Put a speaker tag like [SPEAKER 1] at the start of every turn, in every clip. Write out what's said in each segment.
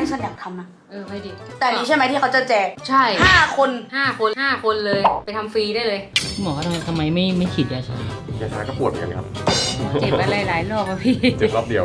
[SPEAKER 1] ฉันอยากทำนะ
[SPEAKER 2] ไปดิ
[SPEAKER 1] แต่นี้ใช่ไหมที่เขาจะแจก
[SPEAKER 2] ใช่
[SPEAKER 1] 5 คน
[SPEAKER 2] เลยไปทำฟรีได้เลย
[SPEAKER 3] หมอทำไมไม่ฉีดยาชาย
[SPEAKER 4] าชาก็ปวดเหมือนกันครับ
[SPEAKER 2] เจ็บอะไรหลายรอบอะพี่
[SPEAKER 4] เจ็บรอบเดียว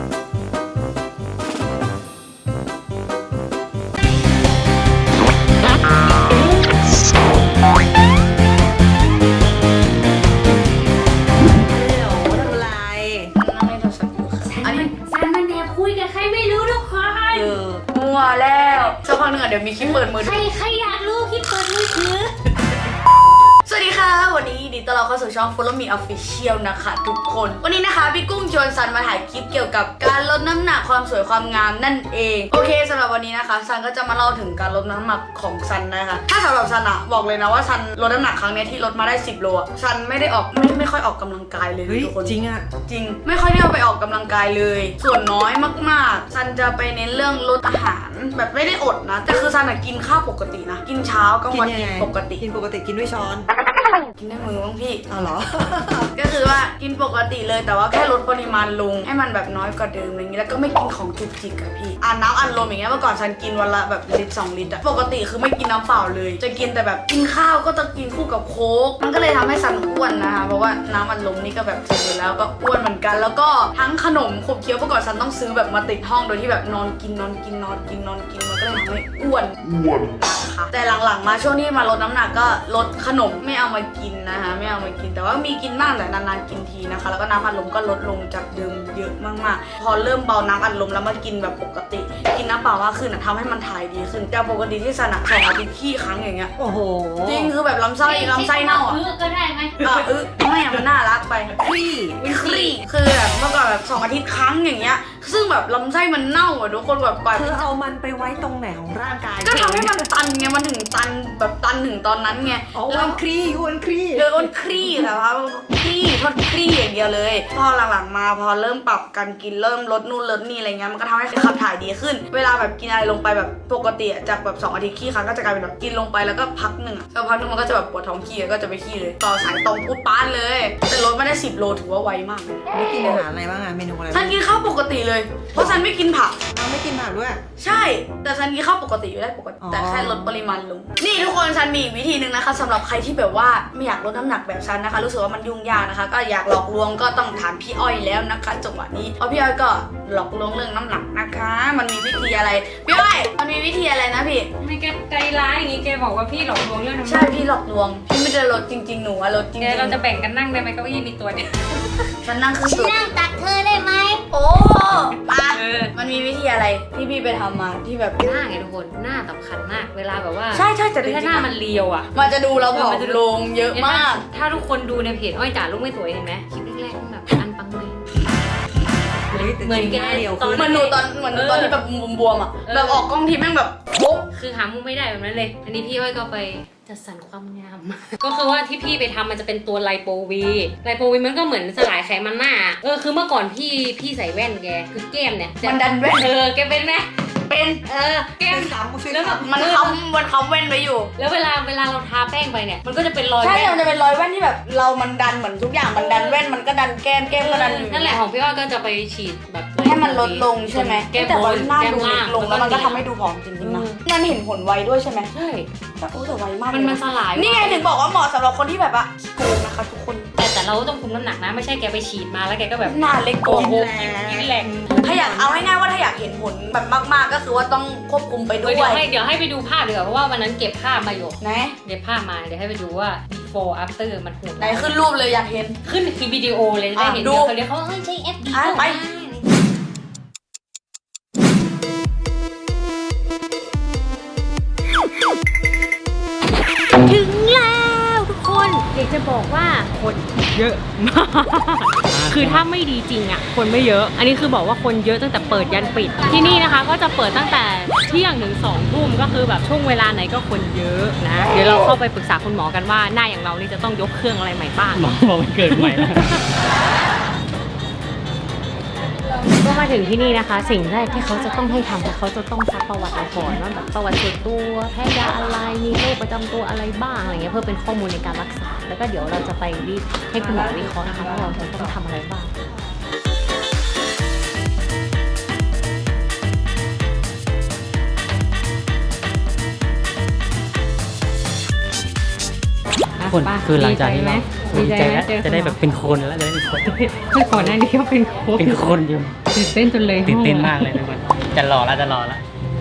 [SPEAKER 1] มัวแล้วสักพักนึงเดี๋ยวมีคลิปเปิดมือ
[SPEAKER 2] ใครอยากรู้คลิปเปิดมือถือ
[SPEAKER 1] สวัสดีค่ะวันนี้ดีต้อนรับเข้าสู่ช่อง Follow Me Official นะคะทุกคนวันนี้นะคะพี่กุ้งชวนซันมาถ่ายคลิปเกี่ยวกับการลดน้ำหนักความสวยความงามนั่นเองโอเคสำหรับวันนี้นะคะซันก็จะมาเล่าถึงการลดน้ำหนักของซันนะคะถ้าสำหรับซันอะบอกเลยนะว่าซันลดน้ำหนักครั้งนี้ที่ลดมาได้10 โลซันไม่ได้ออกไม่ค่อยออกกำลังกายเลยทุกคน
[SPEAKER 3] จริงอะ
[SPEAKER 1] จริงไม่ค่อยได้เอาไปออกกำลังกายเลยส่วนน้อยมากๆซันจะไปเน้นเรื่องลดอาหารแบบไม่ได้อดนะแต่คือซันอะกินข้าวปกตินะกินเช้ากลางวันกินปกติ
[SPEAKER 3] กินด้วยช้อน
[SPEAKER 1] กินด้วยมือบ้างพี่
[SPEAKER 3] อ๋อเหรอ
[SPEAKER 1] ก็คือว่ากินปกติเลยแต่ว่าแค่ลดปริมาณลงให้มันแบบน้อยกว่าเดิมอะไรอย่างนี้แล้วก็ไม่กินของจุกจิกอะพี่น้ำอัดลมอย่างเงี้ยเมื่อก่อนฉันกินวันละแบบ1-2 ลิตรอะปกติคือไม่กินน้ำเปล่าเลยจะกินแต่แบบกินข้าวก็จะกินคู่กับโค้กมันก็เลยทำให้ฉันอ้วนนะคะเพราะว่าน้ำอัดลมนี่ก็แบบเสร็จอยู่แล้วก็อ้วนเหมือนกันแล้วก็ทั้งขนมขบเคี้ยวเมื่อก่อนฉันต้องซื้อแบบมาติดห้องโดยที่แบบนอนกินมันก็เลยทำให้อ้วนนะคะแต่หลังๆมาช่วงที่มาลดน้ำหนักก็ลดขนมไม่เอามากินนะคะไม่เอามากินแต่ว่ามีกินบ้างแต่นานๆกินทีนะคะแล้วก็น้ำอัดลมก็ลดลงจากเดิมเยอะมากๆพอเริ่มเบาน้ำอัดลมแล้วมากินแบบปกติกินน้ำเปล่ามากขึ้นทำให้มันถ่ายดีขึ้นจากปกติที่สนัก2 อาทิตย์ขี้ครั้งอย่างเงี้ย
[SPEAKER 3] โอ้โห
[SPEAKER 1] จริงคือแบบลำไส้เน่าอ่ะ
[SPEAKER 2] ก็ได้ไหม
[SPEAKER 1] ไม่อะมันน่ารักไป
[SPEAKER 3] ครี
[SPEAKER 1] คือแบบเมื่อก่อนแบบ2 อาทิตย์ครั้งอย่างเงี้ยซึ่งแบบลำไส้มันเน่าอ่ะทุกคนแบบ
[SPEAKER 3] เธอเอามันไปไว้ตรงไหนของร่างกาย
[SPEAKER 1] ก็ทำให้มันตันไงมันถึงตันแบบตันถึงตอนนั้นไง
[SPEAKER 3] แล้วครีอ้วนครี
[SPEAKER 1] แต่ว่าทดครีอย่างเดียวเลยพอหลังๆมาพอเริ่มปรับการกินเริ่มลดนู่นลดนี่อะไรเงี้ยมันก็ทำให้ขับถ่ายดีขึ้นเวลาแบบกินอะไรลงไปแบบปกติจากแบบ2 อาทิตย์ขี้ครั้งก็จะกลายเป็นแบบกินลงไปแล้วก็พักหนึ่งสักพักนึงมันก็จะแบบปวดท้องขี้ก็จะไปขี้เลยต่อสายตรงปุ๊บป้านเลยแต่ลดไม่ได้10 โลถือว่าไวมากเลย
[SPEAKER 3] ไม่กินอาหารอะไรบ้างอะเมนูอะไร
[SPEAKER 1] ฉันกินข้าวปกติเลยเพราะฉันไม่กินผัก
[SPEAKER 3] ไม่กินผักด้วย
[SPEAKER 1] ใช่แต่ฉันกินข้าวปกติอยู่ได้ปกติแต่แค่ลดปริมาณลงนี่ทุกคนฉันมีวิธีหนึ่งนะคะสำหรับใครที่แบบว่าไม่อยากลดน้ำหนักแบบฉันนะคะรู้สึกว่ามันยุ่งยากนะคะก็อยากหลอกลวงก็ต้องถามพี่อ้อยแล้วนะคะจังหวะนี้เพราะพี่อ้อยก็หลอกลวงเรื่องน้ำหนักนะคะมันมีวิธีอะไรพี่อ้อยมันมีวิธีอะไรนะพี่
[SPEAKER 2] ไม่แกใจร้ายอย่างงี้แกบอกว่าพี่หลอกลวงเรื่องน้ำหนัก
[SPEAKER 1] ใช่พี่หลอกลวงพี่ไม่ได้ลดจริงๆหนูอะลดจริงๆ
[SPEAKER 2] เราจะแบ่งกันนั่งได้ไหมเก้าอี้มีตัวเดียว
[SPEAKER 1] ฉันนั่งคือสุด
[SPEAKER 2] นั่งตัดเธอได้ไหม
[SPEAKER 1] โอ้มามันมีวิธีอะไรที่พี่ไปทำมาที่แบบ
[SPEAKER 2] หน้าไงทุกคนหน้าสำคัญมากเวลาแบบว่า
[SPEAKER 1] ใช่แต่
[SPEAKER 2] ถ้าหน้ามันเรียวอ่ะ
[SPEAKER 1] มันจะดูเราผอมลงเยอะมาก
[SPEAKER 2] ถ้าทุกคนดูในเพจอ้อยจ๋าลูกไม่สวยเห็นไหมคลิปแรกๆแบบอันปังเลยเหมือนแก
[SPEAKER 3] เรียว
[SPEAKER 1] เหมือนหนูตอนที่แบบบวมอ่ะแบบออกกล้องทีแม่งแบบโป๊ะ
[SPEAKER 2] คือหามุมไม่ได้แบบนั้นเลยอันนี้พี่อ้อยก็ไปจัดสรรความงามก็คือว่าที่พี่ไปทำมันจะเป็นตัวไลโปวีมันก็เหมือนสลายไขมันหน้าคือเมื่อก่อนพี่ใส่แว่นแกคือแก้มเนี่ย
[SPEAKER 1] มันดันแว่น
[SPEAKER 2] แกเป็นไหม
[SPEAKER 1] เป็น
[SPEAKER 2] แก้ม
[SPEAKER 1] แล้วแบบมันค้ำแว่นไปอยู่
[SPEAKER 2] แล้วเวลาเราทาแป้งไปเนี่ยมันก็จะเป็นรอย
[SPEAKER 1] ใช่มันจะเป็นรอยแว่นที่แบบมันดันเหมือนทุกอย่างมันดันแว่นมันก็ดันแก้มก็ดัน
[SPEAKER 2] นั่นแหละของพี่อ้อยก็จะไปฉีดแบบ
[SPEAKER 1] ให้มันลดลงใช่ไหมแต่ว่าหน้าดูเล็กลงแล้วมันก็ทำให้ดูผอมจริงๆนะมันเห็นผลไวด้วยใช่ไหม
[SPEAKER 2] ใช่
[SPEAKER 1] แต่ไวมาก
[SPEAKER 2] มันสลาย
[SPEAKER 1] นี่ไงถึงบอกว่าเหมาะสำหรับคนที่แบบว่าโกงนะคะทุกคน
[SPEAKER 2] แต่เราต้องคุมน้ำหนักนะไม่ใช่แกไปฉีดมาแล้วแกก็แบบ
[SPEAKER 1] หน้าเล็กโกง
[SPEAKER 2] กินแหลก
[SPEAKER 1] ถ้าอยากเอาง่ายๆว่าถ้าอยากเห็นผลแบบมากๆก็คือว่าต้องควบคุมไปด้วย
[SPEAKER 2] เดี๋ยวให้ไปดูภาพดีกว่าเพราะว่าวันนั้นเก็บภาพมาอยู่
[SPEAKER 1] นะ
[SPEAKER 2] เก็บภาพมาเดี๋ยวให้ไปดูว่า before after มันโหด
[SPEAKER 1] ไหนขึ้นรูปเลยอยากเห็น
[SPEAKER 2] ขึ้นคือวิดีโอเลยได้เห็นเดี๋ยวเขาใช้แอปดี
[SPEAKER 1] ไป
[SPEAKER 2] ถึงแล้วทุกคนอยากจะบอกว่าคนเยอะมากคือถ้าไม่ดีจริงอ่ะคนไม่เยอะอันนี้คือบอกว่าคนเยอะตั้งแต่เปิดยันปิดที่นี่นะคะก็จะเปิดตั้งแต่เที่ยงถึง2 ทุ่มก็คือแบบช่วงเวลาไหนก็คนเยอะนะเดี๋ยวเราเข้าไปปรึกษาคุณหมอกันว่าหน้าอย่างเรานี่จะต้องยกเครื่องอะไรใหม่บ้าง
[SPEAKER 3] หมอบอกมันเกิดใหม่แล้ว
[SPEAKER 2] ก็มาถึงที่นี่นะคะสิ่งแรกที่เขาจะต้องให้ทำเขาจะต้องซักประวัติเราก่อนว่าแบบประวัติส่วนตัวแพ้ยาอะไรมีโรคประจำตัวอะไรบ้างอะไรเงี้ยเพื่อเป็นข้อมูลในการรักษาแล้วก็เดี๋ยวเราจะไปให้คุณหมอวิเคราะห์นะคะว่าเราจะต้องทำอะไรบ้าง
[SPEAKER 4] คน
[SPEAKER 2] ป่ะ
[SPEAKER 4] คือหลังจากที่
[SPEAKER 2] ดีใจไหม
[SPEAKER 4] เราดีใจแล้ว
[SPEAKER 2] ดีใจไหม
[SPEAKER 4] จะได้แบบเป็นคนแล้วจะได้เป็นคน
[SPEAKER 2] เมื่อก่อนหน้านี้ก็เป็นโค้ช
[SPEAKER 4] เป็นคนอยู่
[SPEAKER 2] ตื่นเต้นจนเลย
[SPEAKER 4] ตื่นเต้นมากเลยทุกคนจะรอแล้วจะรอแล้ว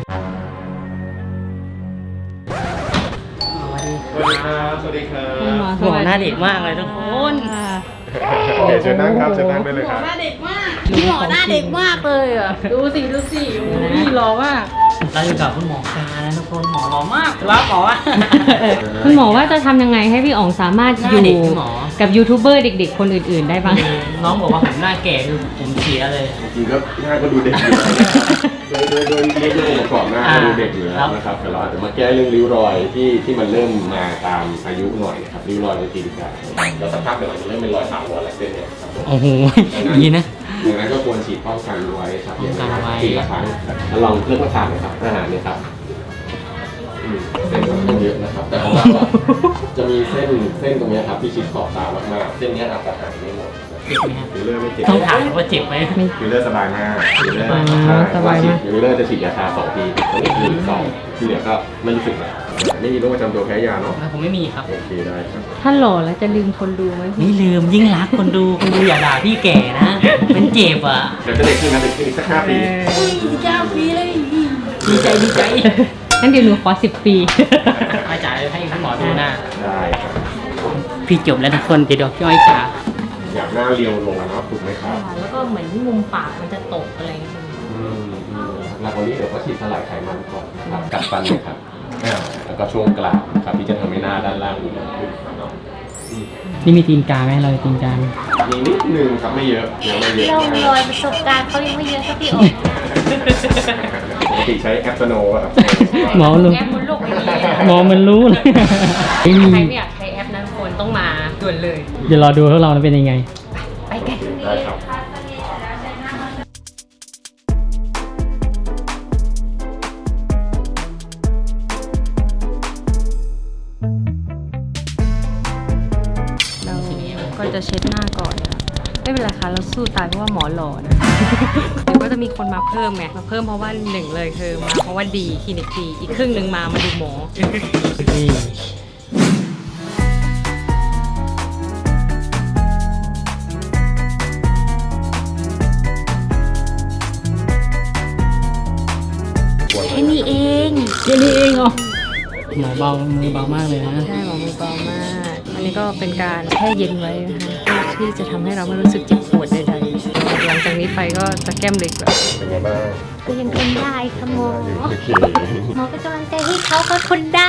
[SPEAKER 5] สวัสดีครับ สวัสดีครับ
[SPEAKER 2] คุณหมอ
[SPEAKER 4] หมอหน้าเด็กมากเลยทุกคน
[SPEAKER 5] โอเคเชิญนั่งครับเชิญนั่งได้เลยครับ
[SPEAKER 1] หน้าเด็กมากพี่หมอหน้าเด็กมากเลยอ่ะ ดูสิโอ้ยหล่อมาก
[SPEAKER 4] เราอยู่กับคุณหมอกานะทุกคนหมอหล่อมากรับหมออ่ะ
[SPEAKER 2] คุณหมอว่าจะทำยังไงให้พี่อ๋องสามารถ
[SPEAKER 4] หน้า
[SPEAKER 2] อยู่
[SPEAKER 4] เด็กคุณหมอ
[SPEAKER 2] กับยูทูบเบอร์เด็กๆ คนอื่นๆได้บ้าง
[SPEAKER 4] น้องบอกว่าผมหน้าแก่คือผมเสียเลย
[SPEAKER 5] จริงๆก็หน้าก็ดูเด็กอยู่แล้วโดยเรียกองค์ประกอบหน้าก็ดูเด็กอยู่แล้วนะครับแต่เราอาจจะมาแก้เรื่องริ้วรอยที่มันเริ่มมาตามอายุหน่อยนะครับริ้วรอยในตีนกาแล้วสักพักเดี๋ยวมันจะเริ่มเป็นรอยถาวรอะไรเส้นเนี่ยครับผม
[SPEAKER 4] โอ้โหดีนะ
[SPEAKER 5] ดังนั้นก็ควรฉีดป้องกันไว้ครับอย่างน้อยปีละครั้งแล้วลองเลือกมาทานนะครับอาหารเนี่ยครับเส้นค่อนข้างเยอะนะครับแต่ของเราอะจะมีเส้นตรงเนี้ยครับที่ฉีดขอบตามากๆเส้นเนี้ยอาจจะหายไม่หมด
[SPEAKER 4] เจ็บไหมครับ
[SPEAKER 5] ฟิลเลอร์ไม่เจ็บ
[SPEAKER 4] ต้องถามว่าเจ็บไหม
[SPEAKER 5] ฟิลเลอร์สบายมากฟิลเลอร์
[SPEAKER 2] สบายมาก
[SPEAKER 5] ฟิลเลอร์จะฉีดยาชา2 ทีตรงนี้คือ2ที่เหลือก็ไม่รู้สึกแล้วไม่มีโรคประจำตัวแพ้ยาเนาะ
[SPEAKER 4] ผมไม่มีครับ
[SPEAKER 5] โอเคได้ครับ
[SPEAKER 2] ถ้าหล่อแล้วจะลืมคนดูไหม
[SPEAKER 4] ไม่ลืมยิ่งรักคนดูอย่าด่าพี่แก่นะมันเจ็บอ่ะ
[SPEAKER 5] เดี๋ยวจะเด็กขึ้นนะเด็กขึ้นอีกสัก5 ปี
[SPEAKER 4] ดีใจ
[SPEAKER 2] งั้นเดี๋ยวหนูขอ10 ปี
[SPEAKER 4] อาจารย์ให้คุณหมอดูหน้า
[SPEAKER 5] ได้ครับ
[SPEAKER 4] พี่จบแล้วทุกคนเดี๋ยวพี่อ้อยจ๋า
[SPEAKER 5] อยากหน้าเรียวลงเนาะถูกไหมครับ
[SPEAKER 2] แล้วก็เหมือนมุมปากมันจะตกอะไรอย่างเงี้ย
[SPEAKER 5] หลังวันนี้เดี๋ยวก็ฉีดสลายไขมันก่อนนะครับกัดฟันเลยครับแล้วก็ช่วงกลางครับที่จะทำให้หน้าด้านล่างดูดีขึ้นเนาะ
[SPEAKER 4] นี่มีตีนกาไหมเราตีนกา
[SPEAKER 5] มีนิดนึงครับไม่เยอะยังไม่เยอะ
[SPEAKER 2] เรา
[SPEAKER 5] มาก
[SPEAKER 2] รอยประสบการณ์เขายังไม่เยอะสักพี่อ๋อง
[SPEAKER 5] ปกติใช้แอปสโนว์ครับ
[SPEAKER 4] หมอรู้
[SPEAKER 2] แอปบนโลกไม่มี
[SPEAKER 4] หมอมันรู้เลย
[SPEAKER 2] ใครไม่อยากใช้แอปนั้นคนต้องมาด่วนเลย
[SPEAKER 4] เดี๋ยวรอดูพวกเราเป็นยังไง
[SPEAKER 2] ไปกัน
[SPEAKER 5] ได้ครับ
[SPEAKER 2] เราก็จะเช็ดหน้าก่อนนะไม่เป็นไรค่ะเราสู้ตายเพราะว่าหมอหล่อนะ เดี๋ยวก็จะมีคนมาเพิ่มไงมาเพิ่มเพราะว่าหนึ่งเลยคือมาเพราะว่าดีคลินิกดีอีกครึ่งหนึ่งมาดูหมอ
[SPEAKER 4] นี่
[SPEAKER 2] แค่นี้เอง
[SPEAKER 4] แค่นี้เองเหรอหมอเบามือเบามากเลยนะ
[SPEAKER 2] ใช่หมอมือเบามาก อันนี้ก็เป็นการแช่เย็นไว้นะคะเพื่อที่จะทำให้เราไม่รู้สึกเจ็บปวดใดๆหลังจากนี้ไปก็จะแก้มเล็กแบบ
[SPEAKER 5] เป็นไงบ้าง
[SPEAKER 2] ก็ยังทนได้ค่ะหมอ
[SPEAKER 5] โอเค
[SPEAKER 2] หมอเป็นกำลังใจให้เขาทนได้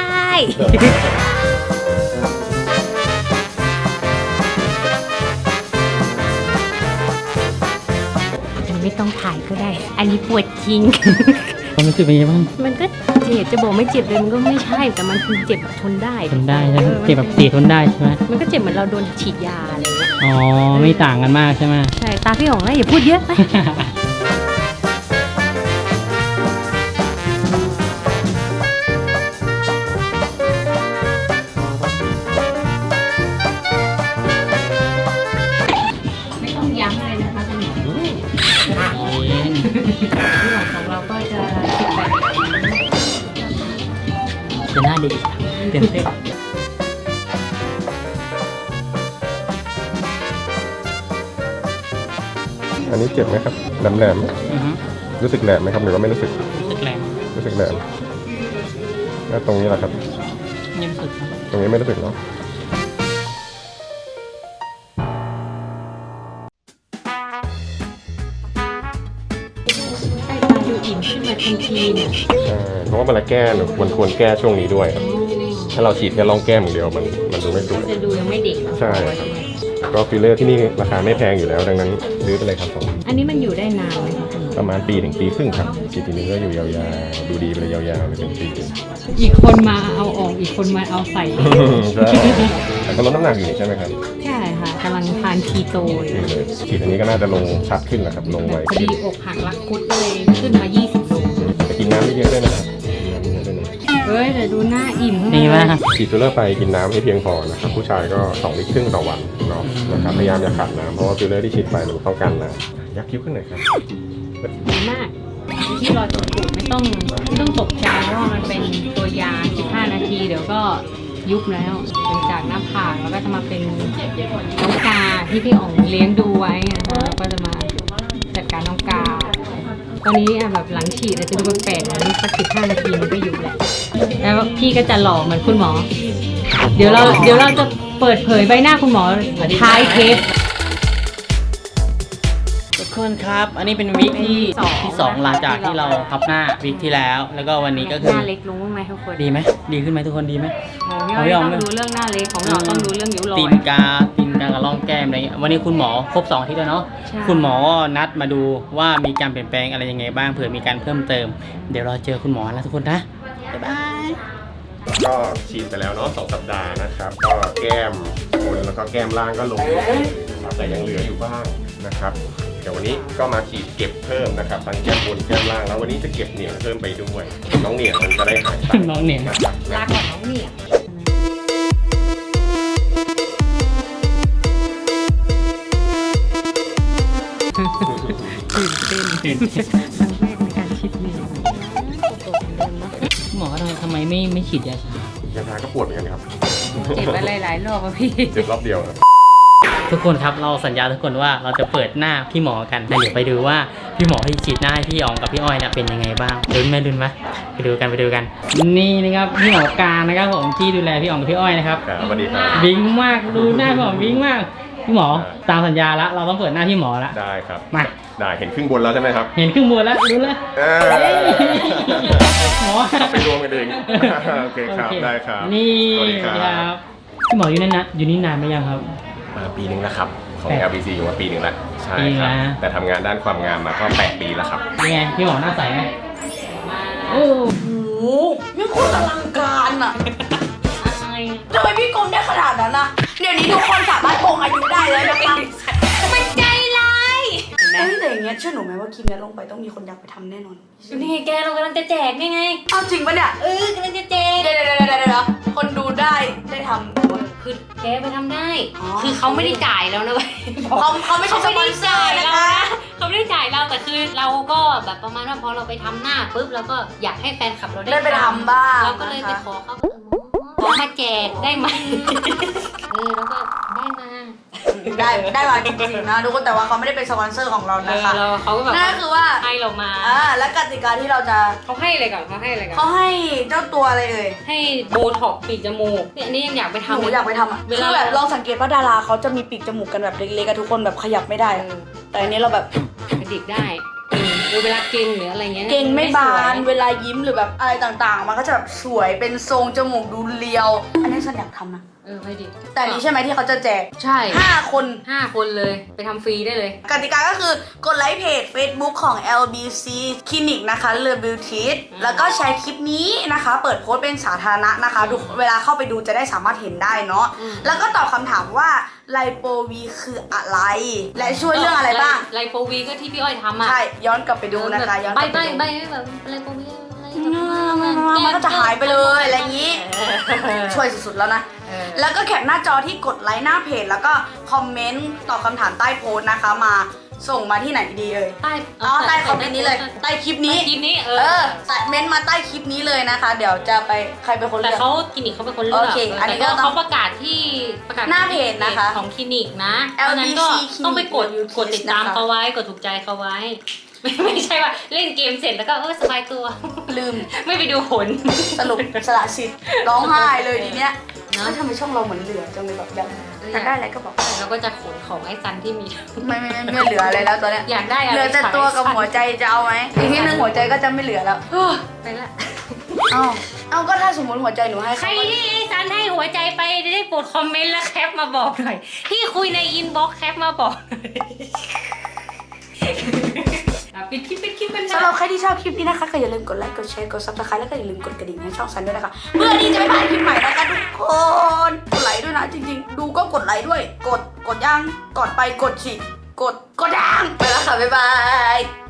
[SPEAKER 2] ไม่ต้องถ่ายก็ได้ อันนี้ปวดจริง
[SPEAKER 4] ความรู้สึกเป็นยังไงบ้าง
[SPEAKER 2] มันก็เจ็บจะบอกไม่เจ็บเลยมันก็ไม่ใช่ แต่มันคือเจ็บแบบทนได้
[SPEAKER 4] ทนได้ใช่ไหมเจ็บแบบเสียทนได้ใช่ไหม
[SPEAKER 2] มันก็เจ็บเหมือนเราโดนฉีดยาอะไรเงี้ย
[SPEAKER 4] อ๋อไม่ต่างกันมากใช่ไหม
[SPEAKER 2] ใช่ ตาพี่หงนะอย่าพูดเยอะไป ไม่ต้องย้ำเลยนะคะคุณหมอพี่หมอของเราก็จะติดแบบ
[SPEAKER 4] จะหน้าเด็กเต้นเต้น
[SPEAKER 5] อันนี้เจ็บไหมครับแหลม
[SPEAKER 4] อือฮึ
[SPEAKER 5] ๆรู้สึกแหลมไหมครับหรือว่าไม่รู้สึก
[SPEAKER 4] รู้สึกแรง
[SPEAKER 5] รู้สึกแหลมแล้วตรงนี้ล่ะครับ
[SPEAKER 4] ยังรู้สึกครับ
[SPEAKER 5] ตรงนี้ไม่รู้สึกเนาะ
[SPEAKER 2] ใต้ตาดูอิ่มขึ้นมาทันทีเนี่ย
[SPEAKER 5] ใช่เพราะว่าเวลาแก้เนี่ยควรแก้ช่วงนี้ด้วยครับถ้าเราฉีดแค่ร่องแก้มอย่างเดียวมันดูไม่สวย
[SPEAKER 2] จะดูยังไม่เด็ก
[SPEAKER 5] ใช่ครับก็ฟิลเลอร์ที่นี่ราคาไม่แพงอยู่แล้ว ดังนั้นซื้อไปเลยครับผม
[SPEAKER 2] อันนี้มันอยู่ได้นานไหมคะคุณหมอ
[SPEAKER 5] ประมาณปีถึงปีครึ่งครับฉีดทีนึงก็อยู่ยาวๆดูดีไปเลยยาวๆเลยเป็นปี
[SPEAKER 2] อีกคนมาเอาออกอีกคนมาเอาใส่
[SPEAKER 5] ใช่แต่ก็ลดน้ำหนักอยู่นี่ใช่ไหมครับ
[SPEAKER 2] ใช่ค่ะกำลังทานคีโตอยู่
[SPEAKER 5] นี่เลยฉีดอันนี้ก็น่าจะลงชัดขึ้นนะครับลงไว
[SPEAKER 2] พอดีอกหักรักคุดก็เลยขึ้นมา 20 โล
[SPEAKER 5] แต่กินน้ำไม่เยอะด้วยนะครับกินน้ำไม่เยอะด้วยนะ
[SPEAKER 2] เฮ้ยแต่ดูหน้าอิ่ม
[SPEAKER 4] ดีมาก
[SPEAKER 5] ฉีดฟิลเลอร์ไปกินน้ำให้เพียงพอนะครับผู้ชายก็2 ลิตรครึ่งต่อวันเนาะนะครับพยายามอย่าขาดน้ำเพราะว่าฟิลเลอร์ที่ฉีดไปมันต้องการน้ำยักคิ้วขึ้นหน่อยครับ
[SPEAKER 2] ดีมากที่รอจนปูดไม่ต้องตกใจเพราะว่ามันเป็นตัวยา 15 นาทีเดี๋ยวก็ยุบแล้วเป็นจากหน้าผากแล้วก็จะมาเป็นน้องกาที่พี่อ๋องเลี้ยงดูไว้นะคะแล้วก็จะมาจัดการน้องกาตอนนี้แบบหลังฉีดอาจจะดูแปลกๆนะสัก15 นาทีมันก็อยู่แหละแล้วพี่ก็จะหล่อเหมือนคุณหมอ เดี๋ยวเราจะเปิดเผยใบหน้าคุณหมอท้ายเทป
[SPEAKER 4] ทุกคนครับ อันนี้เป็นวิกที่
[SPEAKER 2] ที่
[SPEAKER 4] สองหลังจากที่เราทับหน้าวิกที่แล้ว แล้วก็วันนี้ก็คือ
[SPEAKER 2] หน้าเล็กลงบ้างไหมทุกคน
[SPEAKER 4] ดีไหมดีขึ้นไหมทุกคนดีไหม
[SPEAKER 2] ของพี่อ้อยต้องดูเรื่องหน้าเล็กของเราต้องดูเรื่องริ้วรอย
[SPEAKER 4] ตีนกากับร่องแก้มอะไรเงี้ยวันนี้คุณหมอครบ2 อาทิตย์แล้วเนาะ
[SPEAKER 2] ใช่
[SPEAKER 4] คุณหมอก็นัดมาดูว่ามีการเปลี่ยนแปลงอะไรยังไงบ้างเผื่อมีการเพิ่มเติม เดี๋ยวเราเจอคุณหมอแล้วทุกคนนะบ๊ายบาย
[SPEAKER 5] ก็ฉีดไปแล้วเนาะ2 สัปดาห์นะครับ ก็แก้มบนแล้วก็แก้มล่างก็ลงนะครับแต่ยังเหลืออยู่บ้างนะครับ เดี๋ยววันนี้ก็มาฉีดเก็บเพิ่มนะครับทั้งแก้มบนแก้มล่างแล้ววันนี้จะเก็บเหนียงเพิ่มไปด้วยน้องเหนียงมันจะได้หายไป
[SPEAKER 4] น้องเหนียง
[SPEAKER 5] นะครับ
[SPEAKER 2] ลาก่อนน้องเนี่ยตื่นเต้นครั้งแรกในการฉีดเหนียง
[SPEAKER 4] หมอทำไมไม่ฉีดยาชาย
[SPEAKER 5] าทาก็ปวดเหมือนกันครับ
[SPEAKER 2] เจ็บอะไรหลายรอบอะพี่
[SPEAKER 5] เจ็บรอบเดียวครับ
[SPEAKER 4] ทุกคนครับเราสัญญาทุกคนว่าเราจะเปิดหน้าพี่หมอกันเดี๋ยวไปดูว่าพี่หมอที่ฉีดหน้าให้พี่อ๋องกับพี่อ้อยเนี่ยเป็นยังไงบ้างลุ้นไหมไปดูกันนี่นะครับพี่หมอการนะครับผมที่ดูแลพี่อ๋องกับพี่อ้อยนะครับ
[SPEAKER 5] ครับสวัสดีครับ
[SPEAKER 4] วิ้งมากดูหน้าพี่อ๋องวิ้งมากพี่หมอตามสัญญาแล้วเราต้องเปิดหน้าพี่หมอแล้ว
[SPEAKER 5] ได้ครับ
[SPEAKER 4] มา
[SPEAKER 5] ได้เห็นครึ่งบนแล้วใช่ไหมครับ
[SPEAKER 4] เห็นครึ่งบนแล้วรู้เลย หมอ
[SPEAKER 5] ไปรวมกันเอง โอเคครับ ได้ครับ
[SPEAKER 4] นี่
[SPEAKER 5] สวัสดีครับ
[SPEAKER 4] พี่หมออยู่นั่นนะอยู่นี่นานไหมยังครับ
[SPEAKER 5] มาปีหนึ่งแล้วครับ ของ
[SPEAKER 4] 8
[SPEAKER 5] LBC อยู่มาปีหนึ่งแล้วใช่
[SPEAKER 4] ปี
[SPEAKER 5] ครับ
[SPEAKER 4] ละ
[SPEAKER 5] แต่ทำงานด้านความงามมาก็8 ปีแล้วครับ
[SPEAKER 4] เป็นไงพี่หมอหน้าใสไหมโอ้
[SPEAKER 1] โอ้โหนี่โคตรอลังการอ่ะทำไมพี่โกงได้ขนาดนั้นนะเดี๋ยวนี้ทุกคนสามารถโกงอายุได้แล้วนะคะ
[SPEAKER 2] มันใจร้าย
[SPEAKER 1] แต่อย่างเงี้ยเชื่อหนูไหมว่าคลิปนี้ลงไปต้องมีคนอยากไปทำแน่นอน
[SPEAKER 2] นี่ไงแกเรากำลังจะแจกนี่ไง
[SPEAKER 1] เอาจริงปะเนี่ย
[SPEAKER 2] กำลังจะแจก
[SPEAKER 1] เดี๋ยวคนดูได้ทำ
[SPEAKER 2] คือแกไปทำได้
[SPEAKER 1] อ๋อ
[SPEAKER 2] คือเขาไม่ได้จ่ายแล้วนะเว้ย
[SPEAKER 1] เขาไม่ใช่สปอนเซอร์นะคะ
[SPEAKER 2] เขาไม่ได้จ่ายเราแต่คือเราก็แบบประมาณว่าพอเราไปทำหน้าปุ๊บเราก็อยากให้แฟนคลับเรา
[SPEAKER 1] ได้ไปทำบ้าง
[SPEAKER 2] เราก็เลยไปขอเขาขอมาแจกได้ไหมแล้วก็ได้มา
[SPEAKER 1] ได้มาจริงๆนะทุกคนแต่ว่าเขาไม่ได้เป็นสปอนเซอร์ของเรานะคะ
[SPEAKER 2] เขาก็แบบ
[SPEAKER 1] นั่นก็คือว่า
[SPEAKER 2] ให้เรามา
[SPEAKER 1] และกติกาที่เราจะ
[SPEAKER 2] เขาให้อะไรก่อนเขาให้อะไรก่อน
[SPEAKER 1] เขาให้เจ้าตัวอะไรเอ่ย
[SPEAKER 2] ให้โบท็อกซ์ปีกจมูกเนี่ยอันนี้ยังอยากไป
[SPEAKER 1] ห
[SPEAKER 2] ทำ
[SPEAKER 1] นูอยากไปทำอ่ะ
[SPEAKER 2] เว
[SPEAKER 1] คื
[SPEAKER 2] ลา
[SPEAKER 1] อแบบลองสังเกตว่าดาราเขาจะมีปีกจมูกกันแบบเล็กๆกันทุกคนแบบขยับไม่ได้อะแต่อันนี้เราแบบ
[SPEAKER 2] กระดิกได้หรือเวลาเก่งหรืออะไรเงี้ย
[SPEAKER 1] เก่งไม่บาน
[SPEAKER 2] สวย
[SPEAKER 1] เวลายิ้มหรือแบบอะไรต่างๆ มันก็จะแบบสวยเป็นทรงจมูกดูเรียว อันนี้ฉันอยากทำนะ
[SPEAKER 2] ไปดิ
[SPEAKER 1] แต่อันนี้ใช่ไหมที่เขาจะแจก
[SPEAKER 2] ใช่
[SPEAKER 1] 5 คน
[SPEAKER 2] 5 คนเลยไปทำฟรีได้เลย
[SPEAKER 1] กติกาก็คือกดไลค์เพจ Facebook ของ LBC Clinic นะคะเลอบิวทิสแล้วก็แชร์คลิปนี้นะคะ เปิดโพสต์เป็นสาธารณะนะคะทุกเวลาเข้าไปดูจะได้สามารถเห็นได้เนาะแล้วก็ตอบคำถามว่าไลโปวีคืออะไร และช่วยเรื่องอะไรบ้าง
[SPEAKER 2] ไลโปวีก็ที่พี่อ้อยทำอ่ะ
[SPEAKER 1] ใช่ย้อนกลับไปดูนะคะย้อนก
[SPEAKER 2] ใบ
[SPEAKER 1] ลับ
[SPEAKER 2] ใบ
[SPEAKER 1] ไปดู
[SPEAKER 2] ใบแบบไลโปวีอะไร
[SPEAKER 1] มันก็จะหายไปเลยอะไรอย่างนี้ ช่วยสุดๆแล้วนะ แล้วก็แคปหน้าจอที่กดไลค์หน้าเพจแล้วก็คอมเมนต์ตอบคำถามใต้โพสต์นะคะมาส่งมาที่ไหนดีเอ่ย ใต้คอมเมนต์นี้เลยใต้คลิปนี้
[SPEAKER 2] คลิปนี้
[SPEAKER 1] ใส่เม้นต์มาใต้คลิปนี้เลยนะคะ เดี๋ยวจะไปใครเป็นคน
[SPEAKER 2] แต่
[SPEAKER 1] เลือก
[SPEAKER 2] เขาคลินิกเขาเป็นคนเลือก
[SPEAKER 1] โอเคอันนี้ก็ต้อง
[SPEAKER 2] เขาประกาศที่
[SPEAKER 1] หน้าเพจนะคะ
[SPEAKER 2] ของคลินิกนะ
[SPEAKER 1] LBC
[SPEAKER 2] เพราะฉะนั้นก็ต้องไปกด
[SPEAKER 1] Clinic
[SPEAKER 2] กดติดตาม
[SPEAKER 1] นะคะ
[SPEAKER 2] เขาไว้กดถูกใจเขาไว้ ไม่ใช่ว่าเล่นเกมเสร็จแล้วก็สบายตัว
[SPEAKER 1] ลืม
[SPEAKER 2] ไม่ไปดูผล
[SPEAKER 1] สรุปสละสิทธิ์ร้องไห้เลยทีเนี้ย
[SPEAKER 2] เนอะ
[SPEAKER 1] แล้วทำไมช่องเราเหมือนเหลือจังเลยแบบยังอยากได้อะไรก็บอก
[SPEAKER 2] เราก็จะขนของไอ้ซันที่มี
[SPEAKER 1] ไม่เหลืออะไรแล้วตอนเนี้ย
[SPEAKER 2] อยากได้อะไร
[SPEAKER 1] เหลือแต่ตัวกับหัวใจจะเอาไหมอีกนิดนึงหัวใจก็จะไม่เหลือแล้ว
[SPEAKER 2] ไปละ
[SPEAKER 1] เอาก็ถ้าสมมติหัวใจหนูให้
[SPEAKER 2] ใคร
[SPEAKER 1] เขา
[SPEAKER 2] ที่ไอ้ซันให้หัวใจไปได้โปรดคอมเมนต์แล้วแคปมาบอกหน่อยที่คุยในอินบ็อกซ์แคปมาบอกหน่อยปิดคลิปกัน
[SPEAKER 1] สำหรับใครที่ชอบคลิปนี้นะคะก็อย่าลืมกดไลค์กดแชร์กดซับสไครต์แล้วก็อย่าลืมกดกระดิ่งให้ช่องซันด้วยนะคะเพื่อที่จะไม่พลาดคลิปใหม่นะคะทุกคนกดไลค์ด้วยนะจริงๆ ดูก็กดไลค์ด้วยกดยังกดไปกดสิกดยังไปแล้วค่ะบ๊ายบาย